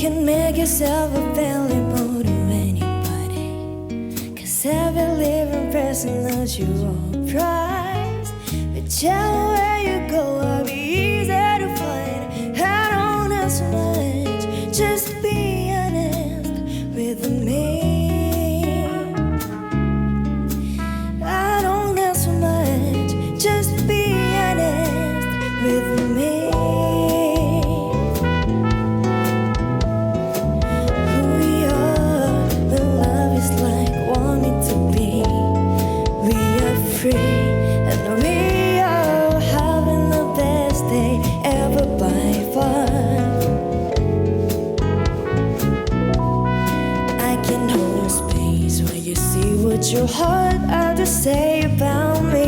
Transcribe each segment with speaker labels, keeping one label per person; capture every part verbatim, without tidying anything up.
Speaker 1: can make yourself available to anybody, 'cause every living person knows you all prize. Whichever way you go, I'll be easy to find. I don't ask much, just be honest with me. I don't ask much, just be honest with me. Who we are, when love is like wanting to be. We are free, and we are having the best day ever by far. I can hold a space where you see what your heart had to say about me.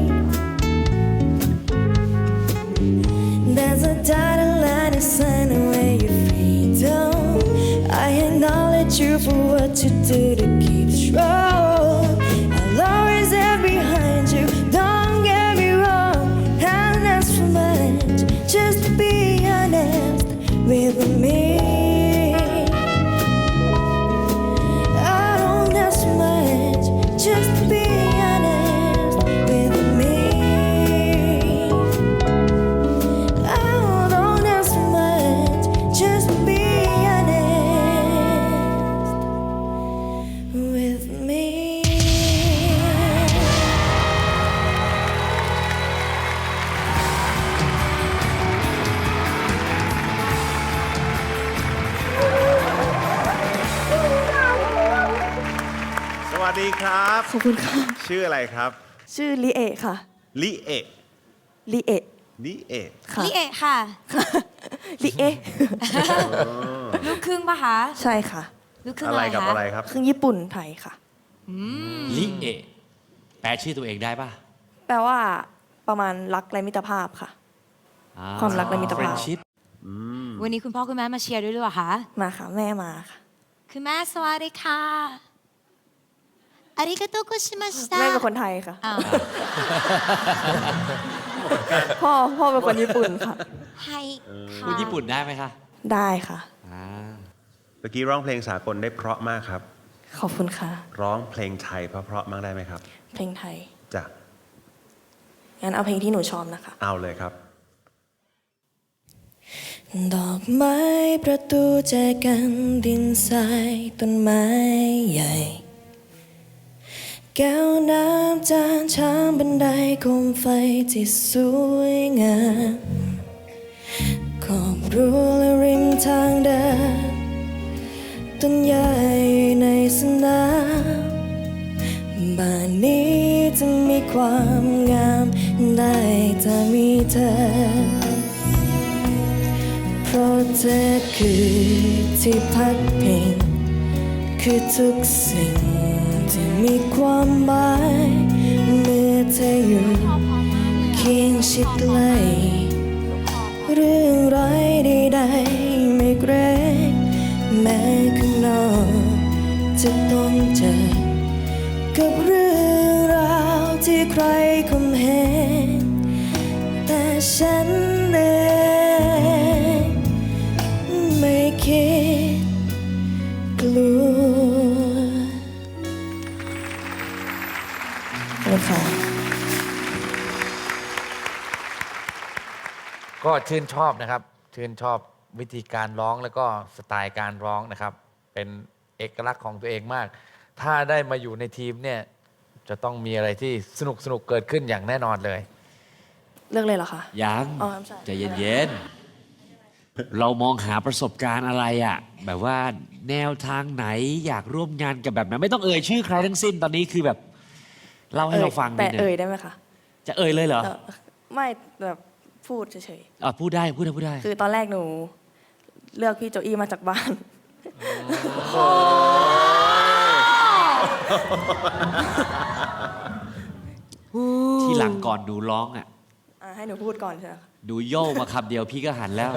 Speaker 1: There's a dotted line inside where you're freedom. I acknowledge you for what you do to keep strong. I'll always stand behind you, don't get me wrong. And that's for much, just be honest with me. I don't ask much, just be honest with me. I don't ask much, just be honest with me.
Speaker 2: สวัสดีครับ
Speaker 1: ขอบคุณค่ะ
Speaker 2: ชื่ออะไรครับ
Speaker 1: ชื่อลิเอะค่ะ
Speaker 2: ลิเอะ
Speaker 1: ลิเอะ
Speaker 2: ลิเอะ
Speaker 1: ค่ะ
Speaker 3: ลิเอะค่ะ
Speaker 1: ลิเอะ
Speaker 3: ลูกครึ่งปะคะ
Speaker 1: ใช่ค่ะ
Speaker 3: ลูกครึ่ง
Speaker 2: อะ
Speaker 3: อะไร ไร
Speaker 2: กับ
Speaker 3: คะ
Speaker 2: อะไรครับ
Speaker 1: ครึ่งญี่ปุ่นไทยค่ะ
Speaker 4: ลิเอะแปลชื่อตัวเองได้ป่ะ
Speaker 1: แปลว่าประมาณรักและมิตรภาพค่ะ
Speaker 4: อ่
Speaker 1: ความรักและมิตรภาพ
Speaker 4: friendship
Speaker 3: วันนี้คุณพ่อคุณแม่มาเชียร์ด้วยหรือเปล่าคะ
Speaker 1: มาค่ะ แม่มาค่ะ
Speaker 3: คุณแม่สวัสดีค่ะอาริกาโตโกชิมาชิตะ
Speaker 1: แม่เป็นคนไทยค่ะ
Speaker 3: อ้าว
Speaker 1: พ่อพ่อเป็นคนญี่ปุ่นค่ะ
Speaker 3: ให้ค่ะ
Speaker 4: พูดญี่ปุ่นได้ไหมคะ
Speaker 1: ได้ค่ะ
Speaker 4: อ่า
Speaker 2: เมื่อกี้ร้องเพลงสากลได้เพราะมากครับ
Speaker 1: ขอบคุณค่ะ
Speaker 2: ร้องเพลงไทยเพราะๆมากได้ไหมครับ
Speaker 1: เพลงไทย
Speaker 2: จ้ะ
Speaker 1: งั้นเอาเพลงที่หนูชอบนะคะ
Speaker 2: เอาเลยครับ
Speaker 1: ดอกไม้ประตูแจกันดินทรายต้นไม้ใหญ่ แก้วน้ำจานชามบันไดโคมไฟที่สวยงามขอบรั้วและริมทางเดินต้นใหญ่ในสนามบ้านนี้จะมีความงามได้ถ้ามีเธอ เพราะเธอคือที่พักพิงคือทุกสิ่งที่มีความหมายเมื่อเธออยู่เคียงชิดใกล้เรื่องร้ายใดๆไม่เกรงแม้ข้างนอกจะต้องเจอกับเรื่องราวที่ใครคมเหงแต่ฉันเองไม่คิดกลัวขอบคุณค่ะ
Speaker 5: ก็ชื่นชอบนะครับ ชื่นชอบวิธีการร้องแล้วก็สไตล์การร้องนะครับ เป็นเอกลักษณ์ของตัวเองมาก ถ้าได้มาอยู่ในทีมเนี่ยจะต้องมีอะไรที่สนุกสนุกเกิดขึ้นอย่างแน่นอนเลย
Speaker 1: เลือกเลยเหรอคะ
Speaker 4: ยัง
Speaker 1: อ๋อใช่
Speaker 4: ใจเย็นๆ เรามองหาประสบการณ์อะไรอะแบบว่าแนวทางไหนอยากร่วมงานกับแบบไหนไม่ต้องเอ่ยชื่อใครทั้งสิ้นตอนนี้คือแบบเล่าให้เราฟัง
Speaker 1: แต่
Speaker 4: นิดนึ
Speaker 1: เอ่ย
Speaker 4: ง
Speaker 1: ได้ไหมคะ
Speaker 4: จะเอ่ยเลยเหรอ
Speaker 1: เอ่อไม่แบบพูดเฉย
Speaker 4: อ่ะพูดได้พูดได้พูดได้
Speaker 1: ๆ คือตอนแรกหนูเลือกพี่โจอี้มาจากบ้าน
Speaker 4: ที่หลังก่อนหนูร้องอ่ะ
Speaker 1: อ่ะให้หนูพูดก่อนใช่ไหมคะ
Speaker 4: หนูโย่มาคำเดียวพี่ก็หันแล้ว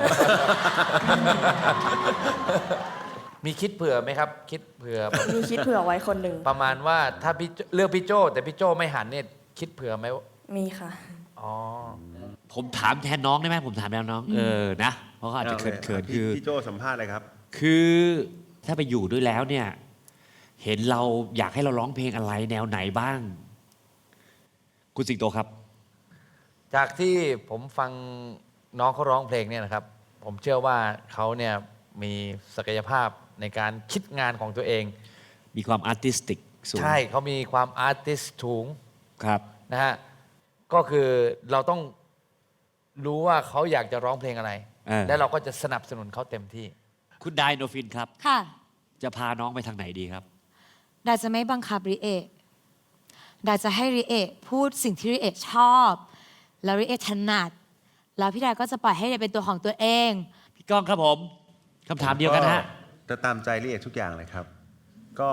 Speaker 5: มีคิดเผื่อไหมครับ คิดเผื่อ
Speaker 1: มีคิดเผื่อไว้คนหนึ่ง
Speaker 5: ประมาณว่าถ้าพี่โจเลือกพี่โจแต่พี่โจไม่หันเนี่ยคิดเผื่อไหมว่า
Speaker 1: มีค่ะ
Speaker 5: อ๋อ
Speaker 4: ผมถามแทนน้องได้ไหมผมถามแทนน้อง เออนะ เพราะเขาอาจจะเขินๆคือ
Speaker 2: พี่โจสัมภาษณ์เลยครับ
Speaker 4: คือถ้าไปอยู่ด้วยแล้วเนี่ย เห็นเราอยากให้เราร้องเพลงอะไรแนวไหนบ้าง คุณสิงโตครับ
Speaker 5: จากที่ผมฟังน้องเขาร้องเพลงเนี่ยนะครับ ผมเชื่อว่าเขาเนี่ยมีศักยภาพในการคิดงานของตัวเอง
Speaker 4: มีความอาร์ติสติกสูง
Speaker 5: ใช่เขามีความอาร์ติสสูง
Speaker 4: ครับ
Speaker 5: นะฮะก็คือเราต้องรู้ว่าเขาอยากจะร้องเพลงอะไร
Speaker 4: เออ
Speaker 5: และเราก็จะสนับสนุนเขาเต็มที่
Speaker 4: คุณไดโนฟินครับ
Speaker 3: ค่ะ
Speaker 4: จะพาน้องไปทางไหนดีครับ
Speaker 3: ดาจะไม่บังคับริเอะดาจะให้ริเอะพูดสิ่งที่ริเอะชอบ แล้วริเอะถนัด แล้วพี่ดาก็จะปล่อยให้ริเอะเป็นตัวของตัวเอง
Speaker 4: พี่ก้องครับผมคำถามเดียวกันฮะ
Speaker 2: จะตามใจลิเอกทุกอย่างเลยครับ ก็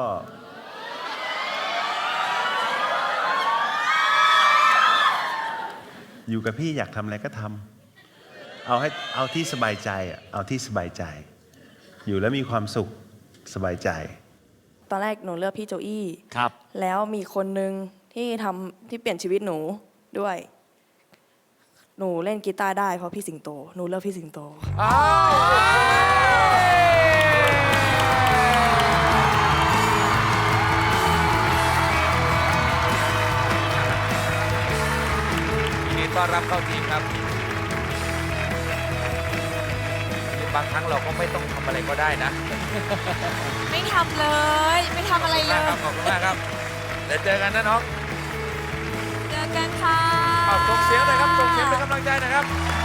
Speaker 2: อยู่กับพี่อยากทำอะไรก็ทำเอาให้เอาที่สบายใจอะเอาที่สบายใจ อยู่แล้วมีความสุขสบายใจ
Speaker 1: ตอนแรกหนูเลือกพี่โจอี้
Speaker 4: ครับ
Speaker 1: แล้วมีคนหนึ่งที่ทำที่เปลี่ยนชีวิตหนูด้วย หนูเล่นกีตาร์ได้เพราะพี่สิงโต หนูเลือกพี่สิงโต
Speaker 5: ยินดีต้อนรับเข้าทีมครับ บางครั้งเราก็ไม่ต้องทำอะไรก็ได้นะ
Speaker 3: ไม่ทำเลย ไม่ทำอะไรเล
Speaker 5: ขอบคุณมากครับ ขอบคุณมากครับ เดี๋ยวเจอกันนะน้อง
Speaker 3: เจอกันค่ะ
Speaker 5: เอาส่งเสียงหน่อยครับ ส่งเสียงเป็นกำลังใจหนะครับ